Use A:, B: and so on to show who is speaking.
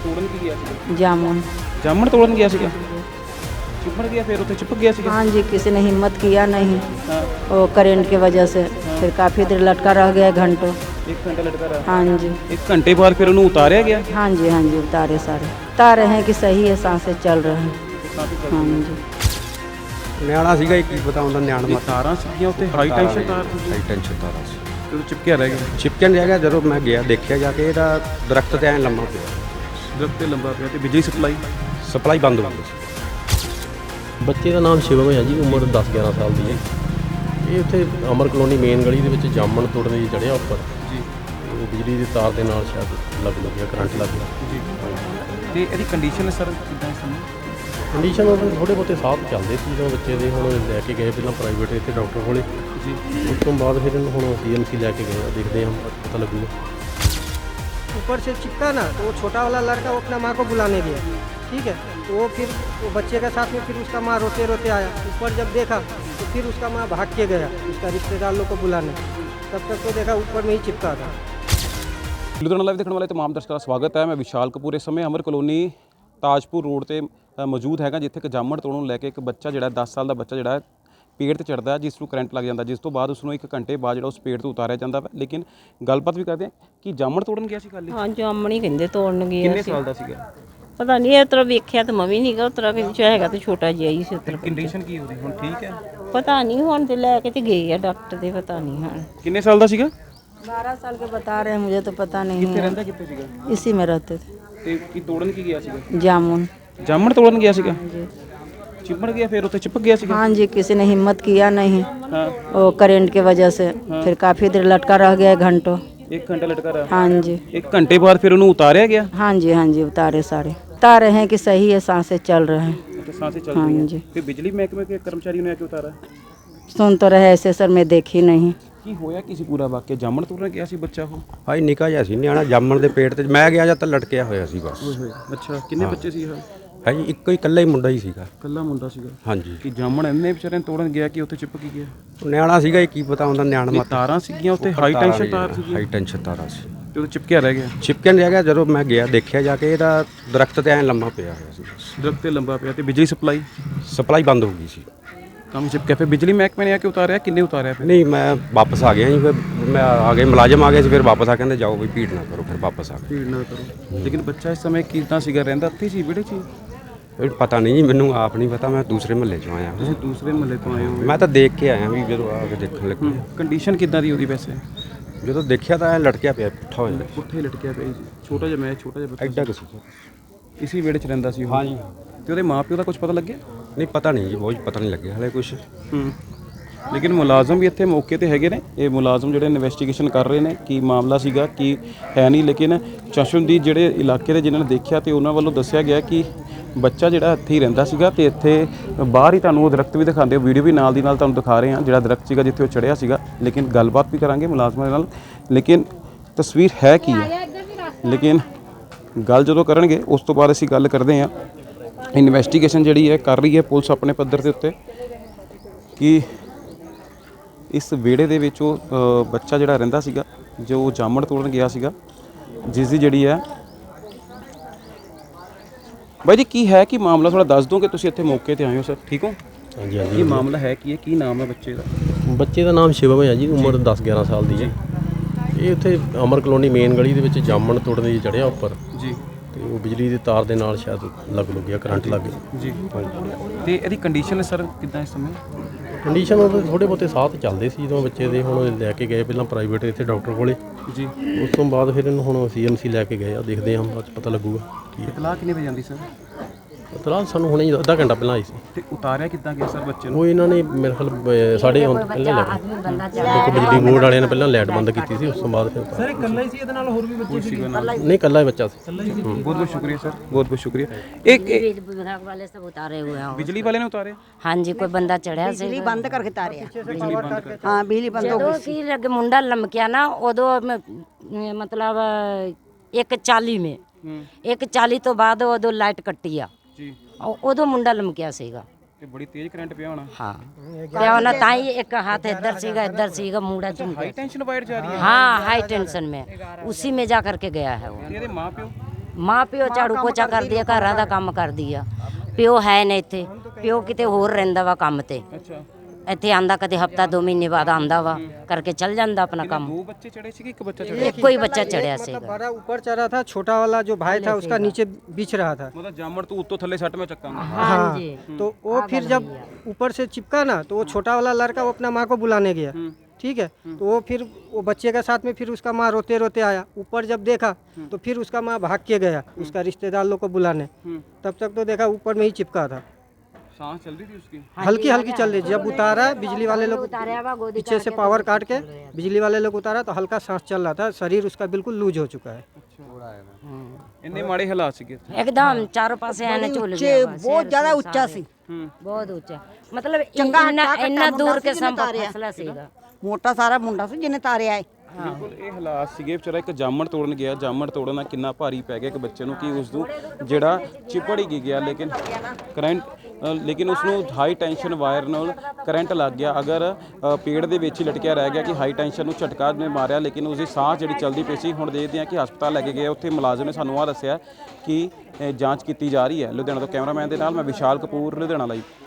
A: ਤੋੜਨ ਕੀ ਗਿਆ ਸੀਗਾ?
B: जामुन।
A: ਜਾਮਣ ਤੋੜਨ ਗਿਆ ਸੀਗਾ, ਚਿਪੜ ਗਿਆ, ਫਿਰ ਉੱਥੇ ਚਿਪਕ ਗਿਆ ਸੀਗਾ।
B: हाँ जी, किसी ने हिम्मत किया नहीं,
A: ਹਾਂ,
B: वो करंट की वजह से फिर काफ़ी देर लटका रह गया घंटों।
A: 1 घंटा लटका रहा।
B: हाँ जी,
A: 1 घंटे बाद फिर ਉਹਨੂੰ ਉਤਾਰਿਆ ਗਿਆ।
B: हाँ जी, हाँ जी, उतारे सारे उतारे हैं कि सही है, सांसें चल रहे हैं। हाँ जी।
C: ਨਿਆਣਾ ਸੀਗਾ ਇਹ ਕੀ ਪਤਾ ਹੁੰਦਾ ਨਿਆਣ
A: ਇਹ
C: ਮਤ
A: ਤਾਰਾਂ ਸੀਗੀਆਂ ਉੱਤੇ, ਹਾਈ ਟੈਂਸ਼ਨ ਤਾਰ ਸੀ,
C: ਹਾਈ ਟੈਂਸ਼ਨ ਤਾਰਾਂ ਸੀ।
A: ਤੇ ਉਹ ਚਿਪਕਿਆ ਰਹਿ ਗਿਆ।
C: ਚਿਪਕਣ ਰਹਿ ਗਿਆ। ਜਦੋਂ ਮੈਂ ਗਿਆ ਦੇਖਿਆ ਜਾ ਕੇ ਇਹਦਾ ਦਰਖਤ ਤੇ ਐਂ ਲੰਮਾ ਪਿਆ,
A: ਦਰਖਤ ਤੇ ਲੰਬਾ ਪਿਆ ਤੇ ਬਿਜਲੀ
C: ਸਪਲਾਈ ਬੰਦ ਹੋ ਗਈ ਸੀ।
D: ਬੱਚੇ ਦਾ ਨਾਮ ਸ਼ਿਵਮ ਹੈ ਜੀ, ਉਮਰ 10-11 ਸਾਲ ਦੀ ਹੈ। ਇਹ ਉੱਥੇ ਅਮਰ ਕਲੋਨੀ ਮੇਨ ਗਲੀ ਦੇ ਵਿੱਚ ਜਾਮਣ ਤੋੜਨ ਲਈ ਚੜ੍ਹਿਆ ਉੱਪਰ
A: ਜੀ
D: ਉਹ ਬਿਜਲੀ ਦੀ ਤਾਰ ਦੇ ਨਾਲ ਸ਼ਾਇਦ ਲੱਗ ਗਿਆ, ਕਰੰਟ ਲੱਗ ਗਿਆ
A: ਜੀ। ਤੇ ਇਹਦੀ ਕੰਡੀਸ਼ਨ ਸਰ ਕਿੱਦਾਂ ਸੀ?
D: ਕੰਡੀਸ਼ਨ ਉਹਦੇ ਥੋੜ੍ਹੇ ਬਹੁਤੇ ਸਾਹ ਚੱਲਦੇ ਸੀ ਜਦੋਂ ਬੱਚੇ ਦੇ। ਹੁਣ ਲੈ ਕੇ ਗਏ ਪਹਿਲਾਂ ਪ੍ਰਾਈਵੇਟ ਇੱਥੇ ਡਾਕਟਰ ਕੋਲੇ
A: ਜੀ।
D: ਉਸ ਤੋਂ ਬਾਅਦ ਫਿਰ ਇਹਨੂੰ ਹੁਣ CMC ਲੈ ਕੇ ਗਏ, ਦੇਖਦੇ ਹਾਂ ਪਤਾ ਲੱਗੂਗਾ।
E: ऊपर से चिपका ना, तो वो छोटा वाला लड़का वो अपना माँ को बुलाने गया, ठीक है। तो वो फिर वो बच्चे के साथ में फिर उसका माँ रोते रोते आया। ऊपर जब देखा तो फिर उसका माँ भाग के गया उसका रिश्तेदार लोग को बुलाने। तब तक तो देखा ऊपर में ही चिपका था।
A: ਲੁਧਿਆਣਾ ਲਾਈਵ ਦੇਖਣ ਵਾਲੇ तमाम ਦਰਸ਼ਕਾਂ ਦਾ ਸਵਾਗਤ ਹੈ। ਮੈਂ ਵਿਸ਼ਾਲ ਕਪੂਰ। ਇਸ ਸਮੇਂ ਅਮਰ ਕਲੋਨੀ ਤਾਜਪੁਰ ਰੋਡ ਤੇ ਮੌਜੂਦ ਹੈਗਾ, ਜਿੱਥੇ ਇੱਕ ਜਾਮਣ ਤੋੜਨ ਨੂੰ ਲੈ ਕੇ ਇੱਕ ਬੱਚਾ ਜਿਹੜਾ 10 ਸਾਲ ਦਾ ਬੱਚਾ ਜਿਹੜਾ ਹੈ ਪੇੜ ਤੇ ਚੜ੍ਹਦਾ, ਜਿਸ ਨੂੰ ਕਰੰਟ ਲੱਗ ਜਾਂਦਾ, ਜਿਸ ਤੋਂ ਬਾਅਦ ਉਸ ਨੂੰ 1 ਘੰਟੇ ਬਾਅਦ ਜਿਹੜਾ ਉਸ ਪੇੜ ਤੋਂ ਉਤਾਰਿਆ ਜਾਂਦਾ। ਲੇਕਿਨ ਗੱਲਬਾਤ ਵੀ ਕਰਦੇ ਹਾਂ ਕਿ ਜਾਮਣ ਤੋੜਨ ਗਿਆ ਸੀ ਕੱਲ੍ਹ ਹੀ।
F: ਹਾਂ, ਜਾਮਣ ਹੀ ਕਹਿੰਦੇ ਤੋੜਨ ਗਿਆ
A: ਕਿੰਨੇ
F: ਸੀ।
A: ਸਾਲ ਦਾ ਸੀਗਾ?
F: ਪਤਾ ਨਹੀਂ, ਇਸ ਤਰ੍ਹਾਂ ਵੇਖਿਆ ਤਾਂ ਮੈਂ ਵੀ ਨਹੀਂਗਾ, ਉਸ ਤਰ੍ਹਾਂ ਕਿ ਹੈਗਾ ਤੇ ਛੋਟਾ ਜਿਹਾ ਹੀ ਸੀ ਉਸ ਤਰ੍ਹਾਂ।
A: ਕੰਡੀਸ਼ਨ ਕੀ ਉਹਦੀ ਹੁਣ? ਠੀਕ ਹੈ।
F: ਪਤਾ ਨਹੀਂ, ਹੁਣ ਤੇ ਲੈ ਕੇ ਤੇ ਗਏ ਆ ਡਾਕਟਰ ਦੇ, ਪਤਾ ਨਹੀਂ ਹੁਣ।
A: ਕਿੰਨੇ ਸਾਲ ਦਾ ਸੀਗਾ?
B: 12 साल के बता रहे हैं, मुझे तो पता नहीं
A: ਕਿੱਥੇ
B: है।
A: ਰਹਿੰਦਾ, ਕਿੱਥੇ ਸੀਗਾ?
B: इसी में रहते थे।
A: ਤੇ ਕੀ ਤੋੜਨ ਕੀ ਗਿਆ ਸੀਗਾ?
B: जामुन।
A: ਜਾਮਣ ਤੋੜਨ ਗਿਆ ਸੀਗਾ, ਚਿਪੜ ਗਿਆ, ਫਿਰ ਉੱਥੇ ਚਿਪਕ ਗਿਆ ਸੀਗਾ।
B: हाँ जी, किसी ने हिम्मत किया नहीं,
A: ਹਾਂ,
B: वो करंट की वजह से फिर काफ़ी देर लटका रह गया घंटों।
A: 1 घंटा लटका रहा।
B: हाँ जी,
A: 1 घंटे बाद फिर ਉਹਨੂੰ ਉਤਾਰਿਆ ਗਿਆ।
B: हाँ जी, हाँ जी, उतारे सारे उतारे हैं कि सही है, सांसें चल रहे हैं।
A: ਤੇ ਸਾਂਸੇ ਚੱਲ
B: हाँ
A: ਰਹੀ ਹੈ।
B: जी,
A: ਫਿਰ ਬਿਜਲੀ ਮਹਿਕਮੇ के कर्मचारी ने आके उतारा।
B: सुन तो रहे ऐसे सर, मैं देखी नहीं।
A: ਕੀ ਹੋਇਆ ਕੀ ਸੀ ਪੂਰਾ ਵਾਕਿਆ? ਜਾਮਣ ਤੋੜਨ ਗਿਆ ਸੀ ਬੱਚਾ ਉਹ?
C: ਹਾਈ ਨਿੱਕਾ ਜਿਹਾ ਸੀ ਨਿਆਣਾ, ਜਾਮਣ ਦੇ ਪੇਟ ਤੇ ਮੈਂ ਗਿਆ ਜਦ ਤਾਂ ਲਟਕਿਆ ਹੋਇਆ ਸੀ ਬਸ।
A: ਅੱਛਾ, ਕਿੰਨੇ ਬੱਚੇ ਸੀ ਇਹ?
C: ਹੈ ਜੀ ਇੱਕੋ ਹੀ ਇਕੱਲਾ ਹੀ ਮੁੰਡਾ ਹੀ ਸੀਗਾ।
A: ਕੱਲਾ ਮੁੰਡਾ ਸੀਗਾ।
C: ਹਾਂਜੀ,
A: ਕਿ ਜਾਮਣ ਇੰਨੇ ਵਿਚਾਰੇ ਨੂੰ ਤੋੜਨ ਗਿਆ ਕਿ ਉੱਥੇ ਚਿਪਕ ਗਿਆ।
C: ਉਹ ਨਿਆਣਾ ਸੀਗਾ ਇਹ ਕੀ ਪਤਾ ਹੁੰਦਾ ਨਿਆਣ
A: ਇਹ
C: ਮਤ।
A: ਤਾਰਾਂ ਸੀਗੀਆਂ ਉੱਤੇ, ਹਾਈ ਟੈਂਸ਼ਨ ਤਾਰ ਸੀ,
C: ਹਾਈ ਟੈਂਸ਼ਨ ਤਾਰਾਂ ਸੀ।
A: ਤੇ ਉਹ ਚਿਪਕਿਆ ਰਹਿ ਗਿਆ।
C: ਚਿਪਕਣ ਰਹਿ ਗਿਆ। ਜਦੋਂ ਮੈਂ ਗਿਆ ਦੇਖਿਆ ਜਾ ਕੇ ਇਹਦਾ ਦਰਖਤ ਤੇ ਐਂ ਲੰਮਾ ਪਿਆ ਹੋਇਆ ਸੀ,
A: ਦਰਖਤ ਤੇ ਲੰਬਾ ਪਿਆ ਤੇ ਬਿਜਲੀ
C: ਸਪਲਾਈ ਬੰਦ ਹੋ ਗਈ ਸੀ।
A: ਕੰਮ ਚਿਪਕਿਆ। ਫਿਰ ਬਿਜਲੀ ਮਹਿਕਮੇ ਨੇ ਆ ਕੇ ਉਤਾਰਿਆ? ਕਿੰਨੇ ਉਤਾਰਿਆ ਫਿਰ?
C: ਨਹੀਂ, ਮੈਂ ਵਾਪਸ ਆ ਗਿਆ ਜੀ। ਫਿਰ ਮੈਂ ਆ ਗਏ, ਮੁਲਾਜ਼ਮ ਆ ਗਏ ਸੀ, ਫਿਰ ਵਾਪਸ ਆ ਕਹਿੰਦੇ ਜਾਓ ਵੀ ਭੀੜ ਨਾ ਕਰੋ, ਫਿਰ ਵਾਪਸ ਆ ਗਏ।
A: ਭੀੜ ਨਾ ਕਰੋ। ਲੇਕਿਨ ਬੱਚਾ ਇਸ ਸਮੇਂ ਕਿੱਦਾਂ ਸੀਗਾ? ਰਹਿੰਦਾ ਇੱਥੇ ਸੀ, ਵਿਹੜੇ 'ਚ ਹੀ?
C: ਇਹ ਪਤਾ ਨਹੀਂ ਜੀ, ਮੈਨੂੰ ਆਪ ਨਹੀਂ ਪਤਾ। ਮੈਂ ਦੂਸਰੇ ਮਹੱਲੇ 'ਚੋਂ ਆਇਆ
A: ਤੁਸੀਂ ਦੂਸਰੇ ਮਹੱਲੇ ਤੋਂ ਆਏ ਹੋ?
C: ਮੈਂ ਤਾਂ ਦੇਖ ਕੇ ਆਇਆ ਵੀ ਜਦੋਂ ਆ ਕੇ ਦੇਖਣ ਲੱਗੇ।
A: ਕੰਡੀਸ਼ਨ ਕਿੱਦਾਂ ਦੀ ਉਹਦੀ ਵੈਸੇ?
C: ਜਦੋਂ ਦੇਖਿਆ ਤਾਂ ਐਂ ਲਟਕਿਆ ਪਿਆ, ਪੁੱਠਾ ਹੋਇਆ
A: ਪੁੱਠੇ ਲਟਕਿਆ ਪਿਆ ਸੀ। ਛੋਟਾ ਜਿਹਾ ਬੱਚਾ
C: ਐਡਾ ਕੁ ਸੀ।
A: ਇਸੀ ਵਿਹੜੇ 'ਚ ਰਹਿੰਦਾ ਸੀ ਉਹ?
C: ਹਾਂਜੀ।
A: ਤੇ ਉਹਦੇ ਮਾਪਿਓ ਦਾ ਕੁਝ ਪਤਾ ਲੱਗਿਆ?
C: ਨਹੀਂ, ਪਤਾ ਨਹੀਂ ਜੀ, ਬਹੁਤ ਪਤਾ ਨਹੀਂ ਲੱਗਿਆ ਹਲੇ ਕੁਛ।
A: ਲੇਕਿਨ ਮੁਲਾਜ਼ਮ ਵੀ ਇੱਥੇ ਮੌਕੇ ਤੇ ਹੈਗੇ ਨੇ। ਇਹ ਮੁਲਾਜ਼ਮ ਜਿਹੜੇ ਇਨਵੈਸਟੀਗੇਸ਼ਨ ਕਰ ਰਹੇ ਨੇ ਕੀ ਮਾਮਲਾ ਸੀਗਾ ਕੀ ਹੈ ਨਹੀਂ। ਲੇਕਿਨ ਚਸ਼ਮਦੀਦ ਜਿਹੜੇ ਇਲਾਕੇ ਦੇ ਜਿਨ੍ਹਾਂ ਨੇ ਦੇਖਿਆ ਤੇ ਉਹਨਾਂ ਵੱਲੋਂ ਦੱਸਿਆ ਗਿਆ ਕਿ ਬੱਚਾ ਜਿਹੜਾ ਇੱਥੇ ਹੀ ਰਹਿੰਦਾ ਸੀਗਾ ਤੇ ਇੱਥੇ ਬਾਹਰ ਹੀ ਤੁਹਾਨੂੰ ਉਹ ਦਰਖਤ ਵੀ ਦਿਖਾਉਂਦੇ, ਵੀਡੀਓ ਵੀ ਨਾਲ ਦੀ ਨਾਲ ਤੁਹਾਨੂੰ ਦਿਖਾ ਰਹੇ ਹਾਂ ਜਿਹੜਾ ਦਰਖਤ ਸੀਗਾ ਜਿੱਥੇ ਉਹ ਚੜ੍ਹਿਆ ਸੀਗਾ। ਲੇਕਿਨ ਗੱਲਬਾਤ ਵੀ ਕਰਾਂਗੇ ਮੁਲਾਜ਼ਮਾਂ ਦੇ ਨਾਲ। ਲੇਕਿਨ ਤਸਵੀਰ ਹੈ ਕੀ ਹੈ, ਲੇਕਿਨ ਗੱਲ ਜਦੋਂ ਕਰਨਗੇ ਉਸ ਤੋਂ ਬਾਅਦ ਅਸੀਂ ਗੱਲ ਕਰਦੇ ਹਾਂ। ਇਨਵੈਸਟੀਗੇਸ਼ਨ ਜਿਹੜੀ ਹੈ ਕਰ ਰਹੀ ਹੈ ਪੁਲਿਸ ਆਪਣੇ ਪੱਧਰ ਦੇ ਉੱਤੇ ਕਿ ਇਸ ਵਿਹੜੇ ਦੇ ਵਿੱਚ ਉਹ ਬੱਚਾ ਜਿਹੜਾ ਰਹਿੰਦਾ ਸੀਗਾ, ਜੋ ਜਾਮਣ ਤੋੜਨ ਗਿਆ ਸੀਗਾ, ਜਿਸ ਦੀ ਜਿਹੜੀ ਹੈ। ਬਾਈ ਜੀ ਕੀ ਹੈ ਕੀ ਮਾਮਲਾ? ਥੋੜਾ ਦੱਸ ਦਿਓ ਕਿ ਤੁਸੀਂ ਇੱਥੇ ਮੌਕੇ ਤੇ ਆਏ ਹੋ ਸਰ, ਠੀਕ ਹੋ?
D: ਹਾਂਜੀ
A: ਕੀ
D: ਹਾਂਜੀ।
A: ਮਾਮਲਾ ਹੈ ਕੀ ਹੈ, ਕੀ ਨਾਮ ਹੈ ਬੱਚੇ ਦਾ?
D: ਬੱਚੇ ਦਾ ਨਾਮ ਸ਼ਿਵਮ ਹੈ ਜੀ, ਉਮਰ 10-11 ਸਾਲ ਦੀ ਹੈ। ਇਹ ਉੱਥੇ ਅਮਰ ਕਲੋਨੀ ਮੇਨ ਗਲੀ ਦੇ ਵਿੱਚ ਜਾਮਣ ਤੋੜਨ ਲਈ ਚੜ੍ਹਿਆ ਉੱਪਰ
A: ਜੀ
D: ਤੇ ਉਹ ਬਿਜਲੀ ਦੀ ਤਾਰ ਦੇ ਨਾਲ ਸ਼ਾਇਦ ਲੱਗ ਗਿਆ, ਕਰੰਟ ਲੱਗ ਗਿਆ
A: ਜੀ। ਤੇ ਇਹਦੀ ਕੰਡੀਸ਼ਨ ਸਰ ਕਿੱਦਾਂ ਇਸ ਸਮੇਂ?
D: ਕੰਡੀਸ਼ਨ ਉਹਦੇ ਥੋੜ੍ਹੇ ਬਹੁਤੇ ਸਾਹ ਚੱਲਦੇ ਸੀ ਜਦੋਂ ਬੱਚੇ ਦੇ। ਹੁਣ ਲੈ ਕੇ ਗਏ ਪਹਿਲਾਂ ਪ੍ਰਾਈਵੇਟ ਇੱਥੇ ਡਾਕਟਰ ਕੋਲੇ
A: ਜੀ।
D: ਉਸ ਤੋਂ ਬਾਅਦ ਫਿਰ ਇਹਨੂੰ ਹੁਣ CMC ਲੈ ਕੇ ਗਏ ਆ, ਦੇਖਦੇ ਹਾਂ ਬਾਅਦ 'ਚ ਪਤਾ ਲੱਗੂਗਾ ਕੀ ਹੈ।
A: ਇਤਲਾਹ ਕਿੰਨੇ ਵਜੇ ਜਾਂਦੀ ਸਰ?
D: ਇਤਲਾਹ ਸਾਨੂੰ ਹੁਣੇ ਹੀ ਅੱਧਾ ਘੰਟਾ ਪਹਿਲਾਂ ਆਈ ਸੀ।
A: ਤੇ ਉਤਾਰਿਆ ਕਿੱਦਾਂ ਗਿਆ ਸਰ ਬੱਚੇ ਨੂੰ?
D: ਉਹ ਇਹਨਾਂ ਨੇ ਮੇਰੇ ਖਿਆਲ ਸਾਡੇ ਆਉਣ ਤੋਂ ਪਹਿਲਾਂ ਲੈ ਗਏ। ਇੱਕ ਬਿਜਲੀ ਬੋਰਡ ਵਾਲਿਆਂ ਨੇ ਪਹਿਲਾਂ ਲਾਈਟ ਬੰਦ ਕੀਤੀ ਸੀ, ਉਸ ਤੋਂ ਬਾਅਦ ਫਿਰ
E: सर इकल्ला ही सी ਇਹਦੇ ਨਾਲ ਹੋਰ ਵੀ ਬੱਚੇ ਸੀ?
D: ਨਹੀਂ, ਇਕੱਲਾ ਹੀ ਬੱਚਾ ਸੀ।
A: ਬਹੁਤ ਬਹੁਤ ਸ਼ੁਕਰੀਆ ਸਰ, ਬਹੁਤ ਬਹੁਤ ਸ਼ੁਕਰੀਆ। एक
G: विभाग वाले सब उतारे हुए हैं।
A: बिजली वाले ने उतारे?
G: हाँ जी, कोई बंदा चढ़िया से
H: ਬਿਜਲੀ ਬੰਦ ਕਰਕੇ ਤਾਰਿਆ। ਹਾਂ, ਬਿਜਲੀ ਬੰਦ ਹੋ
G: ਜਦੋਂ
H: ਗਈ ਸੀ।
G: ਕੀ ਲੱਗੇ ਮੁੰਡਾ ਲਮਕਿਆ ਨਾ ਉਦੋਂ ਮਤਲਬ 1:40 में 1:40 ਤੋਂ ਬਾਅਦ ਉਦੋਂ ਲਾਈਟ ਕੱਟੀ ਆ
A: ਜੀ।
G: ਉਦੋਂ ਮੁੰਡਾ ਲਮਕਿਆ ਸੀਗਾ
A: ਤੇ ਬੜੀ ਤੇਜ਼ ਕਰੰਟ ਪਿਆ ਹੋਣਾ।
G: हाँ क्या होना था ही एक हाथ इधर सीगा मुंडा चुन
A: हाई टेंशन वायर जा रही है।
G: हाँ हाई टेंशन में उसी में जा करके गया है वो।
A: ਇਹਦੇ ਮਾਪਿਓ
G: ਮਾਂ ਪਿਓ ਝਾੜੂ ਪੋਚਾ ਕਰਦੀ ਆ, ਘਰਾਂ ਦਾ ਕੰਮ ਕਰਦੀ ਆ। ਪਿਓ ਹੈ ਨੇ ਇੱਥੇ, ਪਿਓ ਕਿਤੇ ਹੋਰ ਰਹਿੰਦਾ ਵਾ ਕੰਮ ਤੇ।
A: ਅੱਛਾ,
G: ਇੱਥੇ ਆਂਦਾ ਕਦੇ ਹਫਤਾ 2 ਮਹੀਨੇ ਬਾਅਦ ਆਂਦਾ ਵਾ, ਕਰਕੇ ਚੱਲ ਜਾਂਦਾ अपना काम।
A: 2 ਬੱਚੇ ਚੜੇ ਸੀ ਕਿ 1 ਬੱਚਾ ਚੜਿਆ?
G: एक कोई बच्चा चढ़िया
E: मतलब
G: सेगा।
E: बड़ा ऊपर चढ़ा था, छोटा वाला जो भाई था उसका नीचे बिछ रहा था।
A: ਮਤਲਬ ਜਾਮਣ ਤੂੰ ਉੱਤੋਂ ਥੱਲੇ ਸੱਟ ਮੈਂ ਚੱਕਾਂਗਾ।
G: हाँ जी।
E: तो वो फिर जब ऊपर से चिपका ना, तो वो छोटा वाला लड़का वो अपना माँ को बुलाने गया, ठीक है। तो वो फिर वो बच्चे के साथ में फिर उसका माँ रोते रोते आया। ऊपर जब देखा तो फिर उसका माँ भाग के गया उसका रिश्तेदार लोग को बुलाने। तब तक तो देखा ऊपर में ही चिपका था,
A: सांस चल रही थी उसकी?
E: हल्की हल्की चल रही। जब उतारा बिजली वाले लोग पीछे से पावर काट के बिजली वाले लोग उतारा तो हल्का सांस चल रहा था, शरीर उसका बिल्कुल लूज हो चुका है।
A: ਇੰਨੇ ਮਾੜੇ ਹਾਲਾਤ ਸੀਗੇ ਇੱਥੇ?
G: एकदम चारों पासे आने झूल
H: ऊंचे, बहुत ज्यादा ऊंचा सी,
G: बहुत ऊंचा। मतलब
H: चंगा
G: इन्ना
H: हट्टा
G: इन्ना
H: कट्टा
G: दूर
H: मुंडा
G: के
H: सी जिन्हें
G: संभव
H: तारिया।
G: फैसला सीगा।
H: मोटा सारा मुंडा सी जिन्हें तारिया है।
A: ਬਿਲਕੁਲ ਇਹ ਹਾਲਾਤ ਸੀਗੇ। ਵਿਚਾਰਾ ਇੱਕ ਜਾਮਣ ਤੋੜਨ ਗਿਆ, ਜਾਮਣ ਤੋੜਨ ਨਾਲ ਕਿੰਨਾ ਭਾਰੀ ਪੈ ਗਿਆ ਇੱਕ ਬੱਚੇ ਨੂੰ ਕਿ ਉਸ ਨੂੰ ਜਿਹੜਾ ਚਿਪੜ ਹੀ ਗਿਆ, ਲੇਕਿਨ ਲੇਕਿਨ ਉਸ ਨੂੰ ਹਾਈ ਟੈਂਸ਼ਨ ਵਾਇਰ ਨਾਲ ਕਰੰਟ ਲੱਗ ਗਿਆ। ਅਗਰ ਪੇੜ ਦੇ ਵਿੱਚ ਹੀ ਲਟਕਿਆ ਰਹਿ ਗਿਆ ਕਿ ਹਾਈ ਟੈਂਸ਼ਨ ਨੂੰ ਝਟਕਾ ਨੇ ਮਾਰਿਆ, ਲੇਕਿਨ ਉਸ ਦੀ ਸਾਹ ਜਿਹੜੀ ਚੱਲਦੀ ਪਈ ਸੀ। ਹੁਣ ਦੇਖਦੇ ਹਾਂ ਕਿ ਹਸਪਤਾਲ ਲੈ ਕੇ ਗਏ, ਉੱਥੇ ਮੁਲਾਜ਼ਮ ਨੇ ਸਾਨੂੰ ਆਹ ਦੱਸਿਆ ਕਿ ਜਾਂਚ ਕੀਤੀ ਜਾ ਰਹੀ ਹੈ। ਲੁਧਿਆਣਾ ਤੋਂ ਕੈਮਰਾਮੈਨ ਦੇ ਨਾਲ ਮੈਂ ਵਿਸ਼ਾਲ ਕਪੂਰ, ਲੁਧਿਆਣਾ ਲਾਈਵ।